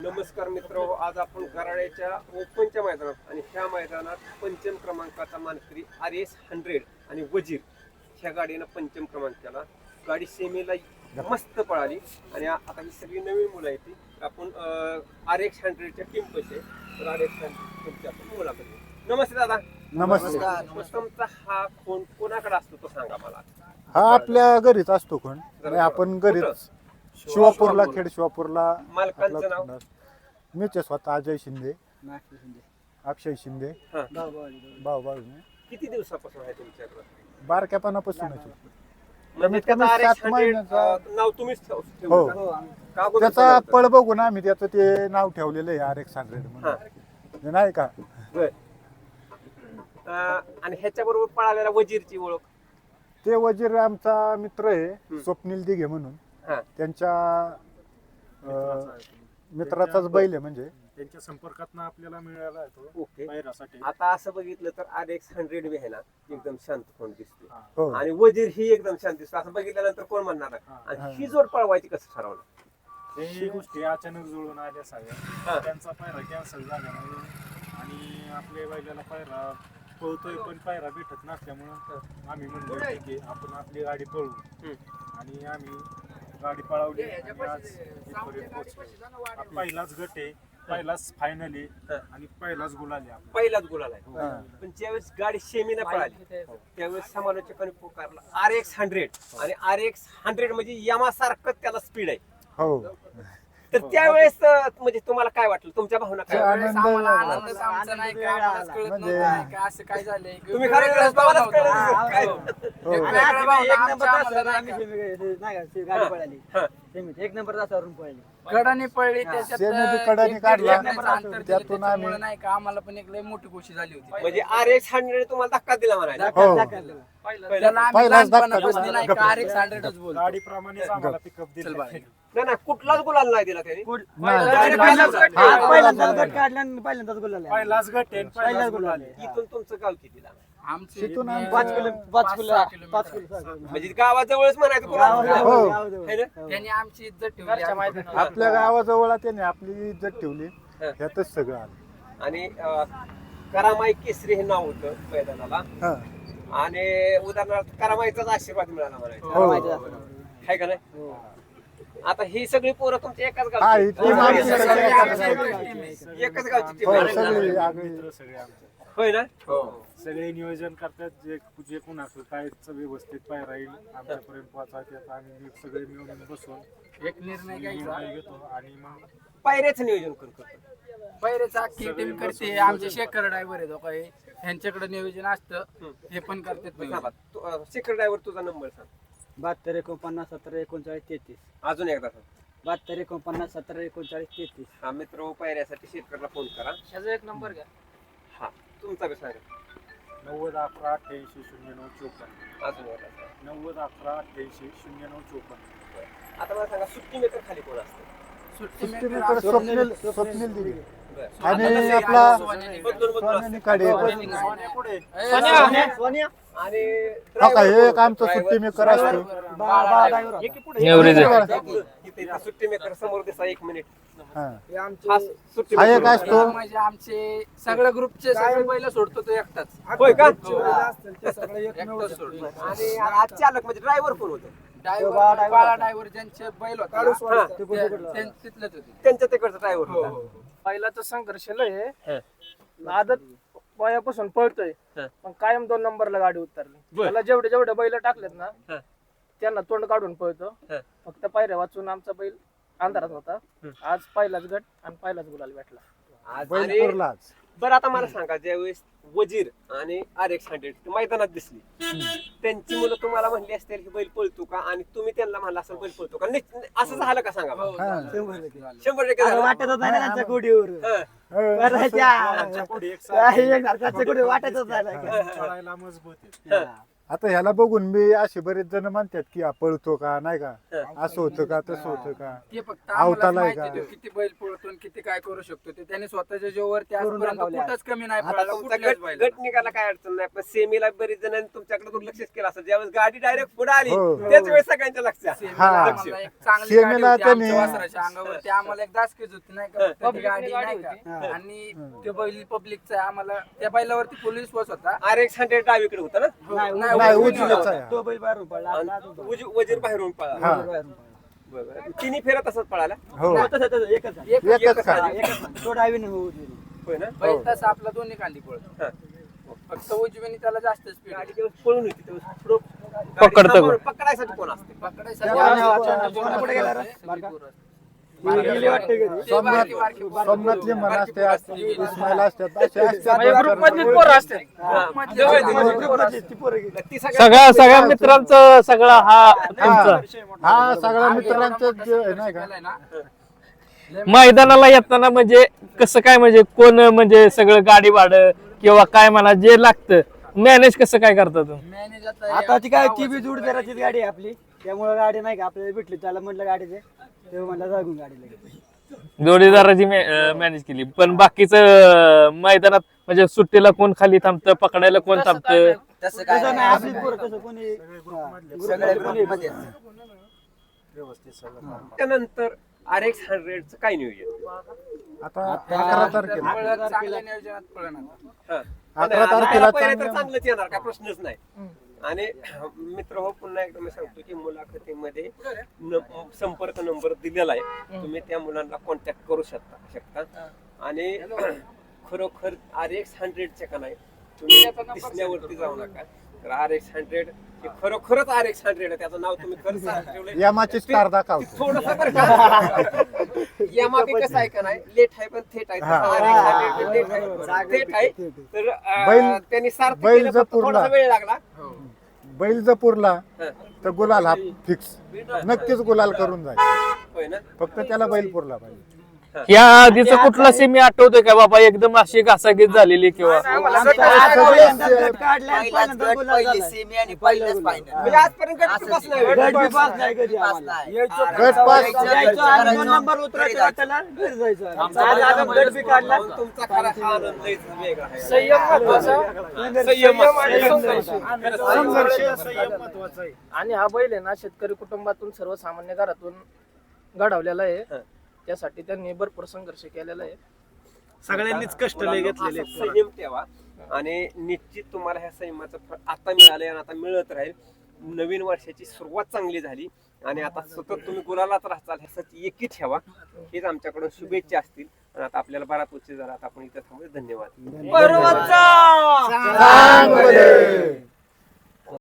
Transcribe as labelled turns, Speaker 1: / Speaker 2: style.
Speaker 1: नमस्कार मित्र, आज आपण कराड्याच्या ओपनच्या मैदानात आणि ह्या मैदानात पंचम क्रमांकाचा मानकरी RS 100 आणि वजीर ह्या गाडीनं पंचम क्रमांक केला. गाडी सेमीला मस्त पळाली आणि आता ही सगळी नवीन मुलं आहेत ती आपण RX 100च्या टीम पैसे तर RX 100 आपण मुलाखत घेऊ. नमस्ते दादा.
Speaker 2: नमस्कार.
Speaker 1: तुमचा हा फोन कोणाकडे असतो तो सांगा मला.
Speaker 2: हा आपल्या घरीच असतो कोण आपण घरीच शिवापूरला खेड शिवापूरला
Speaker 1: मालकांचं नाव
Speaker 2: मीच आहे स्वतः अजय शिंदे अक्षय शिंदे
Speaker 1: हा.
Speaker 2: भाऊ
Speaker 1: किती दिवसापासून आहे तुमच्याकडे?
Speaker 2: बारक्यापणापासूनच
Speaker 1: म्हणजे
Speaker 2: कमीत कमी
Speaker 1: त्याचा RX
Speaker 2: 7 महिन्याचा
Speaker 1: 100 नाव तुम्हीच
Speaker 2: हो.
Speaker 1: ठेवलं का? अगोदर
Speaker 2: त्याचा
Speaker 1: ठेवलं होतं?
Speaker 2: पळ बघून आम्ही त्याचं ते नाव ठेवलेलं आहे RX 100
Speaker 1: हा.
Speaker 2: म्हणून हे नाही का.
Speaker 1: बर. आणि ह्याच्या बरोबर पळालेला वजीरची ओळख.
Speaker 2: ते वजीर आमचा मित्र आहे स्वप्नील दिघे म्हणून
Speaker 1: हा.
Speaker 2: त्यांच्या मित्राचाच बैल आहे म्हणजे
Speaker 3: त्यांच्या संपर्कात आपल्याला मिळाला आहे तो
Speaker 1: ओके.
Speaker 3: पायऱ्यासाठी.
Speaker 1: आता असं बघितलं तर RX 100 बी आहे ना एकदम शांत कोण दिसते
Speaker 2: हो
Speaker 1: आणि वजीर ही एकदम शांत दिसतो. असं बघितल्यानंतर कोण म्हणणार आहे? आणि ही जोड पळवायची कसं ठरवलं?
Speaker 3: हे गोष्टी अचानक जुळून आल्या
Speaker 1: हा.
Speaker 3: सगळ्या. त्यांचा पायरा कॅन्सल झाल्यामुळे आणि आपल्या बैलाला पायरा पळतोय पण पायरा भेटत नसल्यामुळं आम्ही म्हणलो ठीक आहे आपण आपली गाडी पळवू. आणि आम्ही गाडी पळवली आणि आज इथपर्यंत पोहोचलो. हा पहिलाच गट आहे, पहिलाच फायनल आहे आणि पहिलाच गुलाल आहे आपला.
Speaker 1: पहिलाच गुलाल आहे.
Speaker 2: हा.
Speaker 1: पण ज्यावेळेस गाडी सेमीला पळाली त्यावेळेस समालोचकांनी पुकारला RX 100 आणि RX 100 म्हणजे यामासारखं त्याला स्पीड आहे.
Speaker 2: हो
Speaker 1: तर त्यावेळेस म्हणजे तुम्हाला काय वाटलं? तुमच्या भावना काय वाटल्या?
Speaker 2: आनंद
Speaker 1: तुम्ही खरं तुम्हालाच कळलं काय? हा.
Speaker 4: एक नंबर तासावरून पळली
Speaker 5: कडाने पळली
Speaker 2: सेमी कडाने काढला त्यातून आम्ही
Speaker 5: त्यामुळे नाही का आम्हाला पण एक लय मोठी गोष्ट झाली होती.
Speaker 1: म्हणजे RX 100 तुम्हाला धक्का दिला म्हणायला.
Speaker 2: हो
Speaker 5: त्याला आम्ही
Speaker 2: पहिलाच धक्का
Speaker 5: लहानपणापासून
Speaker 2: दिला.
Speaker 5: नाही का RX 100च बोलतो.
Speaker 3: गाडीप्रमाणेच आम्हाला पिकअप दिलं.
Speaker 1: नाही नाही, कुठलाच गुलाल नाही दिला त्यांनी.
Speaker 2: नाही.
Speaker 4: पहिल्यांदाच गट काढला आणि पहिल्यांदाच गोल आला.
Speaker 3: पहिलाच गट आहे, पहिलाच गुलाल आहे.
Speaker 1: इथून तुमचं गाव कितीला?
Speaker 5: आमचे
Speaker 2: तिथून
Speaker 5: इथून
Speaker 2: आम्ही
Speaker 4: 5 किलो
Speaker 5: पाच
Speaker 1: म्हणजे गावाजवळच म्हणायचं तुम्हाला.
Speaker 2: हो.
Speaker 1: है ना?
Speaker 5: त्यांनी आमची इज्जत ठेवली आम्ही-
Speaker 2: आपल्या गावाजवळ त्याने आपली इज्जत ठेवली ह्यातच सगळं आलं.
Speaker 1: आणि करामाई केसरी हे नाव होतं मैदानाला
Speaker 2: हा.
Speaker 1: आणि उदाहरणार्थ करामाईचाच आशीर्वाद मिळाला म्हणायचं.
Speaker 2: हो.
Speaker 1: आहे का नाही? आता ही सगळी पोरं तुमच्या एकाच
Speaker 2: हा,
Speaker 1: गावची
Speaker 2: ही team आमची सगळी एकाच
Speaker 1: आहेत. एकाच गावची टीम
Speaker 2: हो
Speaker 1: आहे.
Speaker 2: सगळी आगळी
Speaker 3: मित्र सगळे आमचे
Speaker 1: होय ना?
Speaker 3: सगळे नियोजन करतात. जे कोण असलं काय व्यवस्थित पायरा येईल आमच्यापर्यंत पोहोचायचे आम्ही सगळे मिळून बसून
Speaker 5: एक निर्णय घ्यायचा.
Speaker 3: निर्णय घेतो आणि मग
Speaker 1: पायऱ्याचं नियोजन कोण करतो?
Speaker 5: पहिलेच अख्खी टीम करते. आमचे शेखर ड्रायव्हर आहेत काही ह्यांच्याकडे नियोजन असतं हे पण करतात.
Speaker 1: सेक्रेटरी ड्रायव्हर तुझा नंबर सांग
Speaker 4: 72 49 17 39 33
Speaker 1: अजून एकदा सांग.
Speaker 4: 72 49 17 39 33.
Speaker 1: हा मित्र पायऱ्यासाठी शेतकऱ्याला फोन करा.
Speaker 5: ह्याचा एक नंबर घ्या.
Speaker 1: हा तुमचा बी सांगा.
Speaker 3: 90 11 88 09 54.
Speaker 1: अजून एकदा सांगा.
Speaker 3: 90 11 88 09 54.
Speaker 1: आता मला सांगा सुट्टी मेकर खाली कोण असतं?
Speaker 5: सुट्टी
Speaker 2: सुट्टी
Speaker 5: मेकर
Speaker 2: मेकर
Speaker 5: असतो.
Speaker 2: स्वप्नील दिघे
Speaker 1: बरं.
Speaker 2: आणि आपला
Speaker 1: बदलून
Speaker 2: सोन्याने काढे
Speaker 3: सोन्या पुढे
Speaker 4: सोनिया
Speaker 1: आणि
Speaker 2: हे एक आमचं सुट्टी मेकर असतो.
Speaker 1: इथे सुट्टी मेकर समोर दिसा 1 मिनिट.
Speaker 2: हा.
Speaker 1: हा सुट्टी
Speaker 2: हा एक
Speaker 1: मेकर.
Speaker 2: असतो.
Speaker 5: म्हणजे आमचे सगळ्या ग्रुपचे सगळे बैल सोडतो तो एकटाच.
Speaker 1: होय का?
Speaker 5: एकटाच सोडतो.
Speaker 1: आणि आज चालक म्हणजे ड्रायव्हर कोण होतं?
Speaker 5: बाळा ड्रायव्हर ज्यांचे बैल होते
Speaker 1: हा.
Speaker 5: तिथलेच होते.
Speaker 1: त्यांच्या तिकडचा ड्रायव्हर होता.
Speaker 6: पहिलाचा संघर्ष लय आहे. आदत वयापासून पळतोय
Speaker 1: हा.
Speaker 6: पण कायम 2 नंबरला गाडी उतरली.
Speaker 1: बर.
Speaker 6: त्याला जेवढे बैल टाकलेत ना
Speaker 1: हा.
Speaker 6: त्यांना तोंड काढून पळतो.
Speaker 1: हा.
Speaker 6: फक्त पायऱ्या वाचून आमचा बैल अंधारात होता. आज पहिलाच गट आणि पहिलाच गुलाल भेटला.
Speaker 1: आणि
Speaker 2: बैलपूरलाच
Speaker 1: बरं आता मला सांगा ज्यावेळेस वजीर आणि RX 100 मैदानात दिसली त्यांची मुलं तुम्हाला म्हणली असतील की बैल पळतो का आणि तुम्ही त्यांना म्हणला असेल बैल पळतो का? असं झालं का सांगा मला?
Speaker 5: हो, झालं.
Speaker 1: 100% झालं.
Speaker 4: वाटतच नाही ना त्यांच्या गोडीवर
Speaker 1: हा.
Speaker 3: आमच्या पुढे एक साथ
Speaker 4: एकसारखाचं गोडी वाटतच नाही.
Speaker 3: चढायला मजबूत आहे.
Speaker 2: आता ह्याला बघून मी असे बरेच जण म्हणतात की हा पळतो का नाही का, असं होतं का तसं होतं का.
Speaker 5: ते फक्त
Speaker 2: अवताला
Speaker 5: आम्हाला
Speaker 2: आहे
Speaker 5: माहिती
Speaker 2: का?
Speaker 5: आहे किती बैल पळतो आणि किती काय करू शकतो ते त्याने स्वतःच्या जीवावरती
Speaker 4: करून
Speaker 5: आजपर्यंत
Speaker 4: दाखवले.
Speaker 5: कुठंच कमी नाही
Speaker 1: आता
Speaker 5: पळाला
Speaker 1: तुमचा
Speaker 5: कुठल्याच
Speaker 1: गट
Speaker 5: बैलाला.
Speaker 1: गट निघाला काय अडचण नाही, पण सेमीला बरीच जणांनी तुमच्याकडे दुर्लक्षच केलं असं. ज्यावेळेस गाडी डायरेक्ट पुढे आली
Speaker 2: हो.
Speaker 1: त्याच वेळेस सगळ्यांच्या लक्षात.
Speaker 5: सेमीला
Speaker 2: हा.
Speaker 5: आम्हाला एक चांगली
Speaker 2: सेमीला
Speaker 5: गाडी होती
Speaker 2: त्याने-
Speaker 5: आमच्या वासराच्या अंगावरती आम्हाला एक दासकीच होती नाही का फक्त ती गाडी नाही का
Speaker 4: हा.
Speaker 5: आणि ते बैल पब्लिकचा आम्हाला त्या बैलावरती पोलीस विश्वास होता.
Speaker 1: RX-100 डावीकडे होता ना,
Speaker 4: नाही,
Speaker 5: नाही,
Speaker 2: नाही,
Speaker 5: उजवीकडे
Speaker 2: उजवीच
Speaker 5: होता.
Speaker 2: आहे.
Speaker 4: तो बैल बाहेरून पडला
Speaker 1: आणि
Speaker 4: आता अजून पडला.
Speaker 1: वजीर बाहेरून पळाला.
Speaker 2: हा.
Speaker 4: बाहेरून पडला.
Speaker 1: बरोबर. तिन्ही फेऱ्या तसंच पळाला.
Speaker 2: हो
Speaker 4: नाही, तसं एकच आहे.
Speaker 2: एकच
Speaker 4: हा,
Speaker 2: का.
Speaker 4: एकच आहे. तो डावीने उजवीने.
Speaker 1: होय ना.
Speaker 5: बैल तसा आपला दोन्ही खांदी पळतो
Speaker 1: हा.
Speaker 5: फक्त उजवीने त्याला जास्त स्पीड
Speaker 1: गाडी जेव्हा पळून होती तेव्हा पुढं गाडी
Speaker 7: पकडतं
Speaker 1: थांबवून पकडायसाठी कोण असते?
Speaker 5: पकडायसाठी
Speaker 4: त्या
Speaker 5: आम्ही
Speaker 4: वाहनावर
Speaker 5: वाचवण्यात
Speaker 4: कोण पुढे गेला रे?
Speaker 5: सगळी
Speaker 4: बारका?
Speaker 5: पोरं.
Speaker 4: गेली वाटते घरी.
Speaker 2: सोमनाथ
Speaker 5: बारकी
Speaker 2: सोमनाथली म्हण असते, इस्माईल असतात, असे असतात.
Speaker 6: म्हणजे ग्रुप मधलीच पोरं असते.
Speaker 1: हा.
Speaker 5: मधली
Speaker 1: जवळ
Speaker 5: जवळ
Speaker 1: जवळ
Speaker 5: जवळ
Speaker 1: पोरं
Speaker 4: ती
Speaker 1: असते.
Speaker 4: पोरं गेली.
Speaker 1: ती सगळ्या
Speaker 7: सगळ्या मित्रांचं सगळा हा तुमचा
Speaker 2: हा सगळ्या मित्रांचं जे नाही का.
Speaker 7: मैदानाला येताना म्हणजे कसं काय, म्हणजे कोण म्हणजे सगळं गाडी भाडं किंवा काय म्हणा जे लागतं मॅनेज कसं काय करता तुम्ही?
Speaker 4: आता ती काय ती बी जोडदाराचीच गाडी आहे आपली, त्यामुळे गाडी नाही का आपल्याला भेटली, त्याला म्हटलं गाडीचे तेव्हा म्हणलं जागून गाडी लगेच.
Speaker 7: जोडीदाराची मॅनेज केली, पण बाकीचं मैदानात म्हणजे सुट्टीला कोण खाली थांबतं, पकडायला कोण थांबतं?
Speaker 4: तसं नाही, आपलीच पोरं तसं कोणी हा, ग्रुपमध्ये कोणी
Speaker 3: व्यवस्थित सगळं
Speaker 1: त्यानंतर RX-100 काय नियोजन?
Speaker 2: आता 11 तारखेला
Speaker 5: चांगल्या नियोजनात पळणार.
Speaker 1: हा.
Speaker 2: 11 तारखेला
Speaker 1: पहिलं तर
Speaker 2: चांगलं-
Speaker 1: चांगलंच येणार, काय प्रश्नच नाही. आणि मित्र हो, पुन्हा एकदा मी सांगतो की मुलाखतीमध्ये संपर्क नंबर दिलेला आहे, तुम्ही त्या मुलांना कॉन्टॅक्ट करू शकता. आणि खरोखर RX-100 का नाही, तुम्ही दिसण्यावरती जाऊ नका. तर RX-100 हे खरोखरच RX-100 आहे. त्याचं नाव तुम्ही खरंच ठेवलंय.
Speaker 2: यामाची स्टार दाखवतो.
Speaker 1: थोडंसं बरं का, यामा बी कसं आहे का नाही, लेट आहे पण थेट आहे.
Speaker 2: हा.
Speaker 1: RX-100 लेट आहे, थेट आहे. तर
Speaker 2: बैल-
Speaker 1: त्यांनी सार्थ
Speaker 2: बैल
Speaker 1: केलं, फक्त
Speaker 2: जपूरला.
Speaker 1: थोडासा वेळ लागला.
Speaker 2: बैल जर पुरला
Speaker 1: हा.
Speaker 2: तर गुलाल हा फिक्स, नक्कीच गुलाल करून जाईल.
Speaker 1: होय ना.
Speaker 2: फक्त त्याला बैल पुरला पाहिजे.
Speaker 7: या आधीचा कुठला सेमी आठवतोय का बाबा एकदम अशी घासाघीस झालेली किंवा
Speaker 4: आमचा पहिल्यांदा गट काढला आणि पहिल्यांदा गुलाल झाला.
Speaker 1: म्हणजे आजपर्यंत गट पास नाही होईल.
Speaker 4: गट बी पास नाही कधी आम्हाला.
Speaker 2: गट पास
Speaker 4: यायचो आणि 2 नंबर उतरायचं वाटेला घरी जायचं. आज आता गट बी काढला.
Speaker 1: मग तुमचा खरा हा आनंद लयच वेगळा आहे.
Speaker 6: संयम महत्वाचा.
Speaker 1: संयम
Speaker 6: आणि संघर्ष.
Speaker 3: संघर्ष संयम महत्वाचा आहे.
Speaker 6: आणि हा बैल आहे ना शेतकरी कुटुंबातून सर्वसामान्य घरातून घडवलेला आहे.
Speaker 1: हा.
Speaker 6: त्यासाठी त्यांनी भरपूर संघर्ष केलेला आहे.
Speaker 3: सगळ्यांनीच कष्ट लय घेतलेले
Speaker 1: असा
Speaker 3: आहेत.
Speaker 1: संयम ठेवा आणि निश्चित तुम्हाला ह्या संयमाचं फळ आता मिळालंय आणि आता मिळत राहील. नवीन वर्षाची सुरुवात चांगली झाली आणि आता सतत तुम्ही गुलालात राहताल ह्यासाठी एकी ठेवा. हेच आमच्याकडून शुभेच्छा असतील. आणि आता आपल्याला बराच उशीर झाला, आता आपण इथं थांबू. धन्यवाद.
Speaker 2: चांगले.